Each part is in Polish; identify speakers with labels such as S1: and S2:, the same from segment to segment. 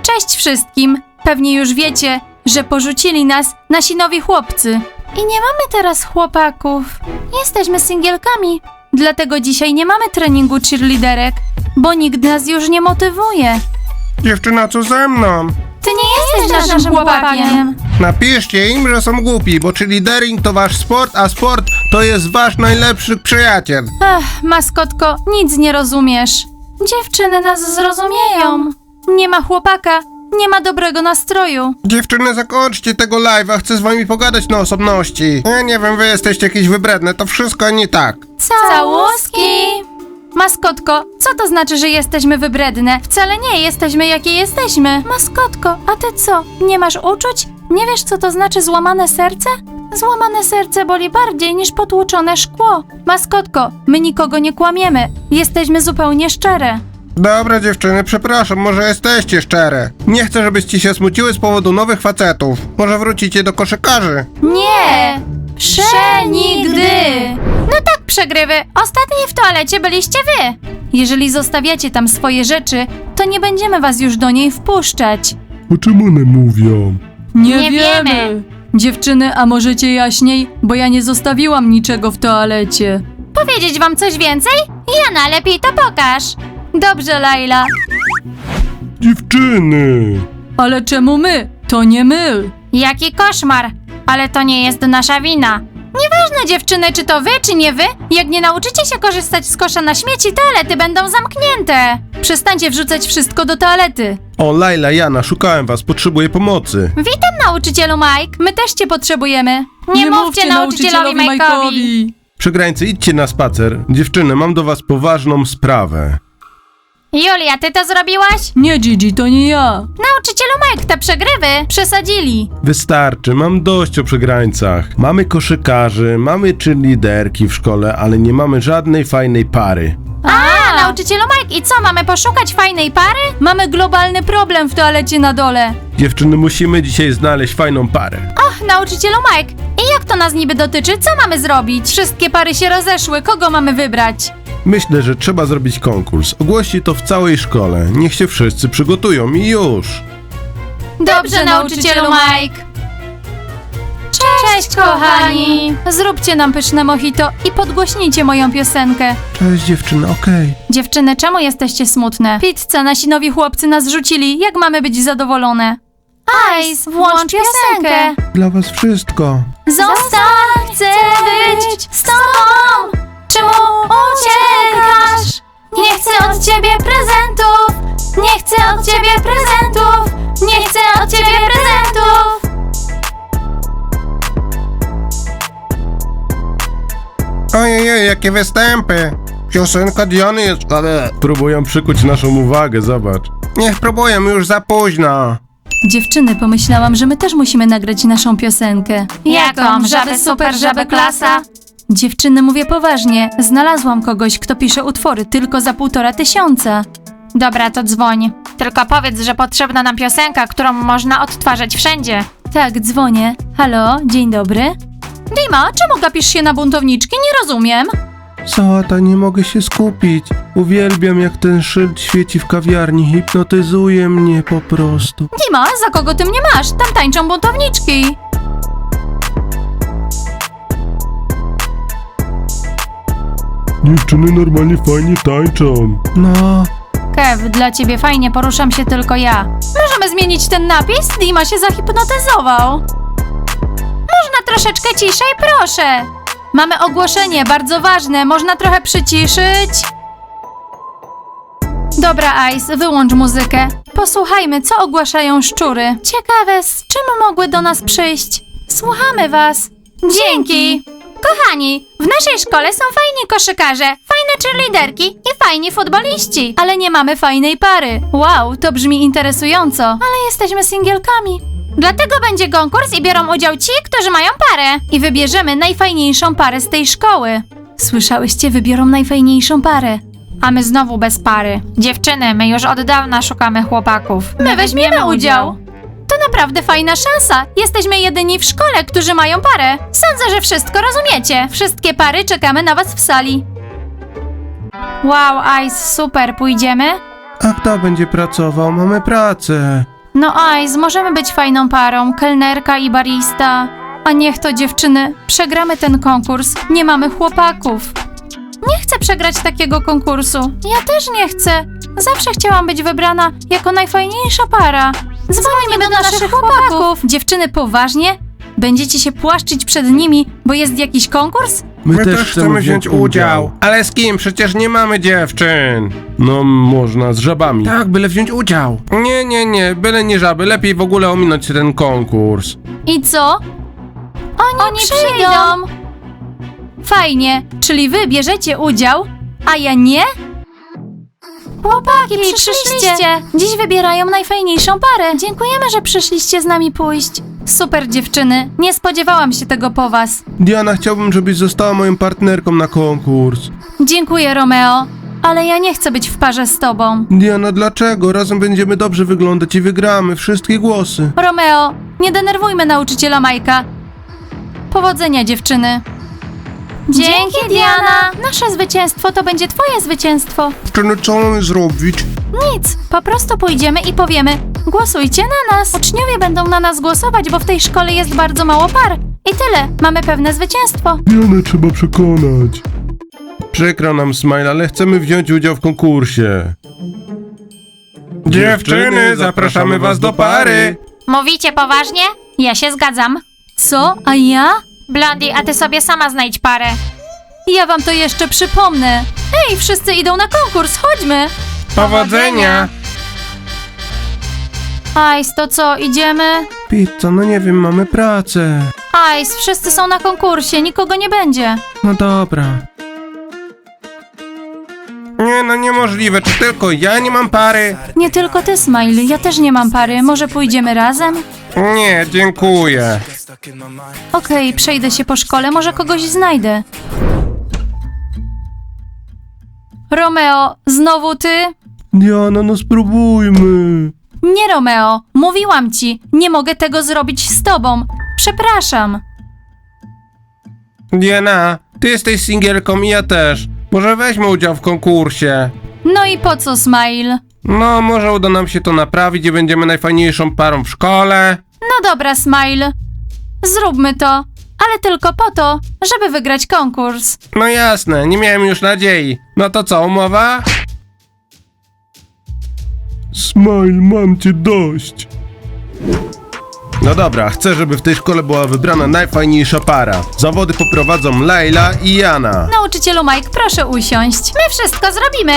S1: Cześć wszystkim! Pewnie już wiecie, że porzucili nas nasi nowi chłopcy. I nie mamy teraz chłopaków. Jesteśmy singielkami. Dlatego dzisiaj nie mamy treningu cheerleaderek, bo nikt nas już nie motywuje.
S2: Dziewczyna, co ze mną?
S1: Ty nie jesteś naszym chłopakiem.
S2: Napiszcie im, że są głupi, bo cheerleadering to wasz sport, a sport to jest wasz najlepszy przyjaciel.
S1: Ach, maskotko, nic nie rozumiesz. Dziewczyny nas zrozumieją. Nie ma chłopaka, nie ma dobrego nastroju.
S2: Dziewczyny, zakończcie tego live'a, chcę z wami pogadać na osobności. Ja nie wiem, wy jesteście jakieś wybredne, to wszystko nie tak.
S1: Całuski! Maskotko, co to znaczy, że jesteśmy wybredne? Wcale nie jesteśmy, jakie jesteśmy. Maskotko, a ty co? Nie masz uczuć? Nie wiesz, co to znaczy złamane serce? Złamane serce boli bardziej niż potłuczone szkło. Maskotko, my nikogo nie kłamiemy. Jesteśmy zupełnie szczere.
S2: Dobra dziewczyny, przepraszam, może jesteście szczere. Nie chcę, żebyście się smuciły z powodu nowych facetów. Może wrócicie do koszykarzy.
S1: Nie! Przenigdy! No tak, przegrywy. Ostatni w toalecie byliście wy. Jeżeli zostawiacie tam swoje rzeczy, to nie będziemy was już do niej wpuszczać.
S3: O czym one mówią?
S1: Nie wiemy. Dziewczyny, a możecie jaśniej? Bo ja nie zostawiłam niczego w toalecie. Powiedzieć wam coś więcej? Jana, lepiej to pokaż. Dobrze, Laila.
S3: Dziewczyny!
S1: Ale czemu my? To nie my. Jaki koszmar. Ale to nie jest nasza wina. Nieważne, dziewczyny, czy to wy, czy nie wy. Jak nie nauczycie się korzystać z kosza na śmieci, toalety będą zamknięte. Przestańcie wrzucać wszystko do toalety.
S2: O, Laila, Jana, szukałem was, potrzebuję pomocy.
S1: Witam, nauczycielu Mike. My też cię potrzebujemy. Nie mówcie nauczycielowi Mike'owi.
S2: Przegrańcy, idźcie na spacer. Dziewczyny, mam do was poważną sprawę.
S1: Julia, ty to zrobiłaś? Nie, Gigi, to nie ja. Nauczycielu Mike, te przegrywy przesadzili.
S2: Wystarczy, mam dość o przegrańcach. Mamy koszykarzy, mamy cheerleaderki w szkole, ale nie mamy żadnej fajnej pary.
S1: A, nauczycielu Mike, i co, mamy poszukać fajnej pary? Mamy globalny problem w toalecie na dole.
S2: Dziewczyny, musimy dzisiaj znaleźć fajną parę.
S1: Och, nauczycielu Mike, i jak to nas niby dotyczy? Co mamy zrobić? Wszystkie pary się rozeszły, kogo mamy wybrać?
S2: Myślę, że trzeba zrobić konkurs. Ogłoście to w całej szkole. Niech się wszyscy przygotują i już.
S1: Dobrze, nauczycielu Mike. Cześć, kochani. Zróbcie nam pyszne mojito i podgłośnijcie moją piosenkę.
S2: Cześć dziewczyny, okej.
S1: Dziewczyny, czemu jesteście smutne? Pizza, nasi nowi chłopcy nas rzucili. Jak mamy być zadowolone? Ice, włącz piosenkę.
S2: Dla was wszystko.
S1: Zostań, chcę być z tobą. Czemu uciekasz? Nie chcę od ciebie prezentów. Nie chcę od ciebie prezentów. Nie chcę od ciebie prezentów.
S2: Ojej, jakie występy. Piosenka Diany jest... Próbują przykuć naszą uwagę, zobacz. Niech próbują, już za późno.
S1: Dziewczyny, pomyślałam, że my też musimy nagrać naszą piosenkę. Jaką? Żaby super, żaby klasa? Dziewczyny, mówię poważnie. Znalazłam kogoś, kto pisze utwory tylko za 1500. Dobra, to dzwoń. Tylko powiedz, że potrzebna nam piosenka, którą można odtwarzać wszędzie. Tak, dzwonię. Halo, dzień dobry. Dima, czemu gapisz się na buntowniczki? Nie rozumiem.
S2: Sałata, nie mogę się skupić. Uwielbiam, jak ten szyld świeci w kawiarni. Hipnotyzuje mnie po prostu.
S1: Dima, za kogo ty mnie masz? Tam tańczą buntowniczki.
S3: Dziewczyny normalnie fajnie tańczą.
S2: No...
S1: Kev, dla ciebie fajnie, poruszam się tylko ja. Możemy zmienić ten napis? Dima się zahipnotyzował. Można troszeczkę ciszej, proszę. Mamy ogłoszenie, bardzo ważne. Można trochę przyciszyć? Dobra, Ice, wyłącz muzykę. Posłuchajmy, co ogłaszają szczury. Ciekawe, z czym mogły do nas przyjść? Słuchamy was. Dzięki. Kochani, w naszej szkole są fajni koszykarze, fajne cheerleaderki i fajni futboliści. Ale nie mamy fajnej pary. Wow, to brzmi interesująco. Ale jesteśmy singielkami. Dlatego będzie konkurs i biorą udział ci, którzy mają parę. I wybierzemy najfajniejszą parę z tej szkoły. Słyszałyście, wybiorą najfajniejszą parę. A my znowu bez pary. Dziewczyny, my już od dawna szukamy chłopaków. My weźmiemy udział. To naprawdę fajna szansa. Jesteśmy jedyni w szkole, którzy mają parę. Sądzę, że wszystko rozumiecie. Wszystkie pary czekamy na was w sali. Wow, Ice, super. Pójdziemy?
S2: A kto będzie pracował? Mamy pracę.
S1: No Ice, możemy być fajną parą, kelnerka i barista. A niech to dziewczyny, przegramy ten konkurs, nie mamy chłopaków. Nie chcę przegrać takiego konkursu. Ja też nie chcę. Zawsze chciałam być wybrana jako najfajniejsza para. Dzwonimy do naszych chłopaków. Dziewczyny, poważnie? Będziecie się płaszczyć przed nimi, bo jest jakiś konkurs?
S2: My też chcemy wziąć udział. Ale z kim? Przecież nie mamy dziewczyn.
S3: No, można z żabami.
S2: Tak, byle wziąć udział. Nie, byle nie żaby. Lepiej w ogóle ominąć ten konkurs.
S1: I co? Oni przyjdą. Fajnie, czyli wy bierzecie udział, a ja nie? Chłopaki, przyszliście. Dziś wybierają najfajniejszą parę. Dziękujemy, że przyszliście z nami pójść. Super dziewczyny, nie spodziewałam się tego po was.
S2: Diana, chciałbym, żebyś została moją partnerką na konkurs.
S1: Dziękuję, Romeo, ale ja nie chcę być w parze z tobą.
S2: Diana, dlaczego? Razem będziemy dobrze wyglądać i wygramy wszystkie głosy.
S1: Romeo, nie denerwujmy nauczyciela Majka. Powodzenia, dziewczyny. Dzięki, Diana. Nasze zwycięstwo to będzie twoje zwycięstwo.
S2: Dziewczyny, co mamy zrobić?
S1: Nic, po prostu pójdziemy i powiemy: głosujcie na nas. Uczniowie będą na nas głosować, bo w tej szkole jest bardzo mało par. I tyle, mamy pewne zwycięstwo.
S3: Dianę trzeba przekonać.
S2: Przykro nam, Smile, ale chcemy wziąć udział w konkursie. Dziewczyny, zapraszamy was do pary.
S1: Mówicie poważnie? Ja się zgadzam. Co? A ja? Blondie, a ty sobie sama znajdź parę. Ja wam to jeszcze przypomnę. Ej, wszyscy idą na konkurs, chodźmy.
S2: Powodzenia!
S1: Ice, to co, idziemy?
S2: Pizza, no nie wiem, mamy pracę.
S1: Ice, wszyscy są na konkursie, nikogo nie będzie.
S2: No dobra. Nie, no niemożliwe, czy tylko ja nie mam pary?
S1: Nie tylko ty, Smile, ja też nie mam pary. Może pójdziemy razem?
S2: Nie, dziękuję.
S1: Okej, przejdę się po szkole, może kogoś znajdę. Romeo, znowu ty?
S3: Diana, no spróbujmy.
S1: Nie, Romeo, mówiłam ci, nie mogę tego zrobić z tobą. Przepraszam.
S2: Diana, ty jesteś singielką i ja też. Może weźmy udział w konkursie.
S1: No i po co, Smile?
S2: No, może uda nam się to naprawić i będziemy najfajniejszą parą w szkole.
S1: No dobra, Smile. Zróbmy to, ale tylko po to, żeby wygrać konkurs.
S2: No jasne, nie miałem już nadziei. No to co, umowa?
S3: Smile, mam cię dość.
S2: No dobra, chcę, żeby w tej szkole była wybrana najfajniejsza para. Zawody poprowadzą Laila i Jana.
S1: Nauczycielu Mike, proszę usiąść. My wszystko zrobimy.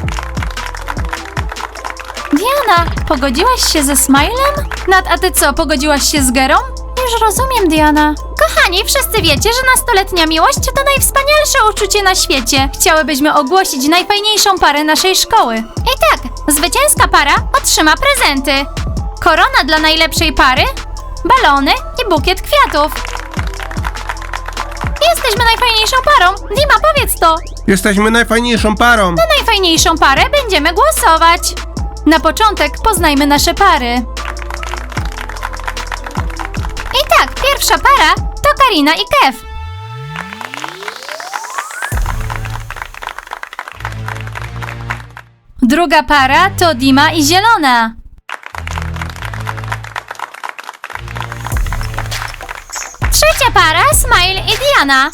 S1: Diana, pogodziłaś się ze Smilem? Nat, a ty co, pogodziłaś się z Gerą? Już rozumiem, Diana. Kochani, wszyscy wiecie, że nastoletnia miłość to najwspanialsze uczucie na świecie. Chciałybyśmy ogłosić najfajniejszą parę naszej szkoły. I tak, zwycięska para otrzyma prezenty. Korona dla najlepszej pary, balony i bukiet kwiatów. Jesteśmy najfajniejszą parą. Dima, powiedz to.
S2: Jesteśmy najfajniejszą parą.
S1: Na najfajniejszą parę będziemy głosować. Na początek poznajmy nasze pary. I tak, pierwsza para to Karina i Kev. Druga para to Dima i Zielona. Trzecia para Smile i Diana.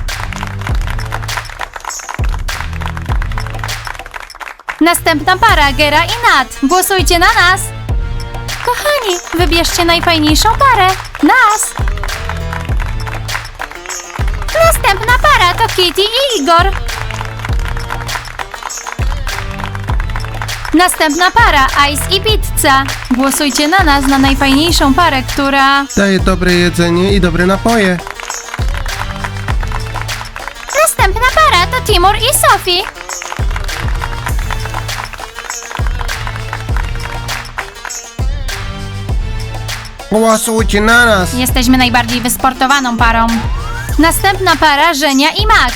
S1: Następna para Gera i Nat. Głosujcie na nas. Kochani, wybierzcie najfajniejszą parę. Nas. Następna para to Kitty i Igor. Następna para Ice i Pizza. Głosujcie na nas, na najfajniejszą parę, która...
S2: Daje dobre jedzenie i dobre napoje.
S1: Następna para to Timur i Sophie.
S2: Głosujcie na nas.
S1: Jesteśmy najbardziej wysportowaną parą. Następna para Żenia i Max.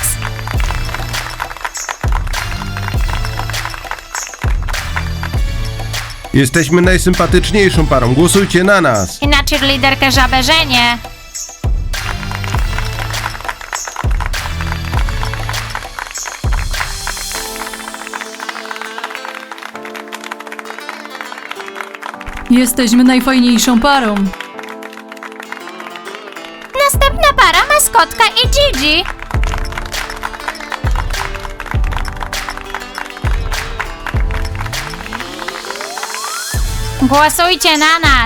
S2: Jesteśmy najsympatyczniejszą parą. Głosujcie na nas.
S1: I na cheerleaderkę żabę Żenię. Jesteśmy najfajniejszą parą. Następna para, maskotka i Gigi. Głosujcie na nas.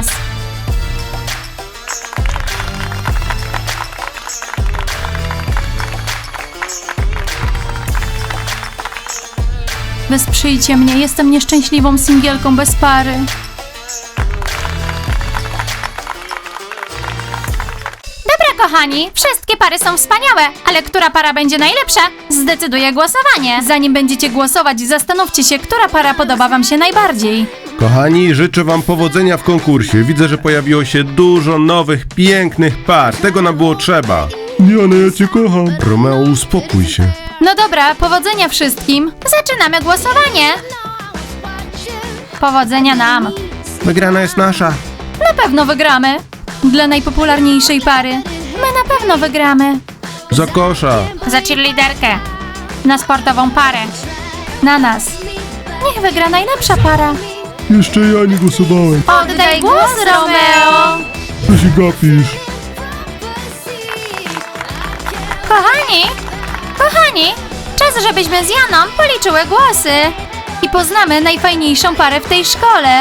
S1: Wesprzyjcie mnie, jestem nieszczęśliwą singielką bez pary. Dobra, kochani, wszystkie pary są wspaniałe, ale która para będzie najlepsza, zdecyduje głosowanie. Zanim będziecie głosować, zastanówcie się, która para podoba wam się najbardziej.
S2: Kochani, życzę wam powodzenia w konkursie. Widzę, że pojawiło się dużo nowych, pięknych par. Tego nam było trzeba.
S3: Diana, ja cię kocham.
S2: Romeo, uspokój się.
S1: No dobra, powodzenia wszystkim. Zaczynamy głosowanie. Powodzenia nam.
S2: Wygrana jest nasza.
S1: Na pewno wygramy. Dla najpopularniejszej pary. My na pewno wygramy.
S2: Za kosza.
S1: Za cheerleaderkę. Na sportową parę. Na nas. Niech wygra najlepsza para.
S3: Jeszcze ja nie głosowałem.
S1: Oddaj głos, Romeo.
S3: Co się gapisz?
S1: Kochani, czas, żebyśmy z Janą policzyły głosy. I poznamy najfajniejszą parę w tej szkole.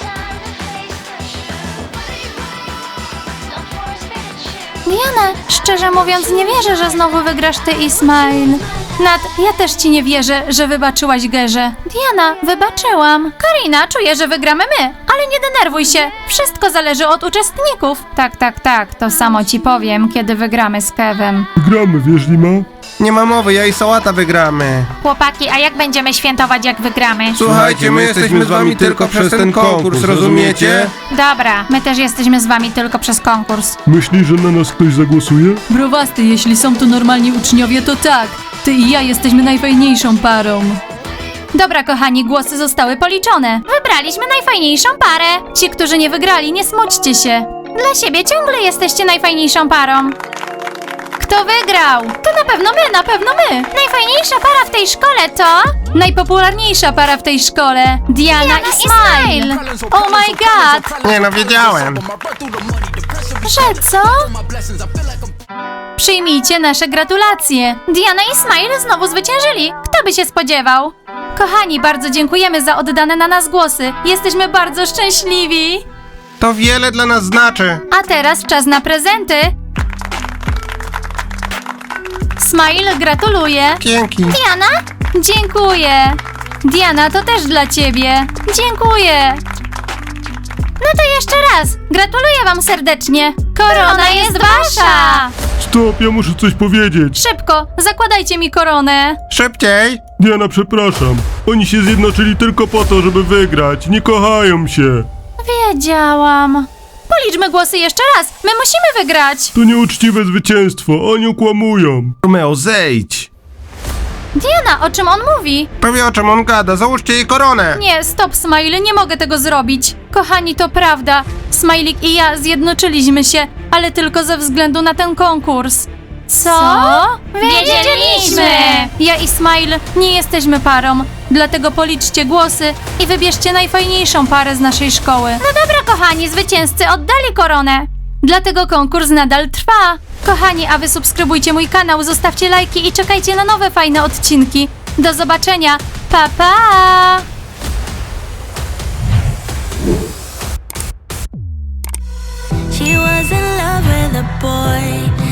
S1: Diana, szczerze mówiąc nie wierzę, że znowu wygrasz ty i Smile. Nat, ja też ci nie wierzę, że wybaczyłaś Gerze. Diana, wybaczyłam. Karina, czuję, że wygramy my, ale nie denerwuj się. Wszystko zależy od uczestników. Tak, to samo ci powiem, kiedy wygramy z Kevem.
S3: Gramy, wiesz, Lima?
S2: Nie ma mowy, ja i Sałata wygramy.
S1: Chłopaki, a jak będziemy świętować, jak wygramy?
S2: Słuchajcie, my jesteśmy z wami tylko przez ten konkurs, rozumiecie?
S1: Dobra, my też jesteśmy z wami tylko przez konkurs.
S3: Myślisz, że na nas ktoś zagłosuje?
S1: Browasty, jeśli są tu normalni uczniowie, to tak. Ty i ja jesteśmy najfajniejszą parą. Dobra, kochani, głosy zostały policzone. Wybraliśmy najfajniejszą parę. Ci, którzy nie wygrali, nie smućcie się. Dla siebie ciągle jesteście najfajniejszą parą. Kto wygrał? To na pewno my. Najfajniejsza para w tej szkole to... Najpopularniejsza para w tej szkole. Diana i Smile. Oh my god.
S2: Nie no, wiedziałem.
S1: Że co? Przyjmijcie nasze gratulacje. Diana i Smile znowu zwyciężyli. Kto by się spodziewał? Kochani, bardzo dziękujemy za oddane na nas głosy. Jesteśmy bardzo szczęśliwi.
S2: To wiele dla nas znaczy.
S1: A teraz czas na prezenty. Smile, gratuluję.
S2: Dzięki.
S1: Diana? Dziękuję. Diana, to też dla ciebie. Dziękuję. No to jeszcze raz. Gratuluję wam serdecznie. Korona jest wasza.
S3: Stop, ja muszę coś powiedzieć.
S1: Szybko, zakładajcie mi koronę.
S2: Szybciej.
S3: Diana, przepraszam. Oni się zjednoczyli tylko po to, żeby wygrać. Nie kochają się.
S1: Wiedziałam. Policzmy głosy jeszcze raz. My musimy wygrać.
S3: To nieuczciwe zwycięstwo. Oni okłamują.
S2: Romeo, zejdź.
S1: Diana, o czym on mówi?
S2: Powie, o czym on gada, załóżcie jej koronę.
S1: Nie, stop, Smile, nie mogę tego zrobić. Kochani, to prawda. Smajlik i ja zjednoczyliśmy się, ale tylko ze względu na ten konkurs. Co? Wiedzieliśmy! Ja i Smile nie jesteśmy parą, dlatego policzcie głosy i wybierzcie najfajniejszą parę z naszej szkoły. No dobra, kochani, zwycięzcy oddali koronę. Dlatego konkurs nadal trwa. Kochani, a wy subskrybujcie mój kanał, zostawcie lajki i czekajcie na nowe fajne odcinki. Do zobaczenia. Pa, pa!
S4: She was in love with a boy.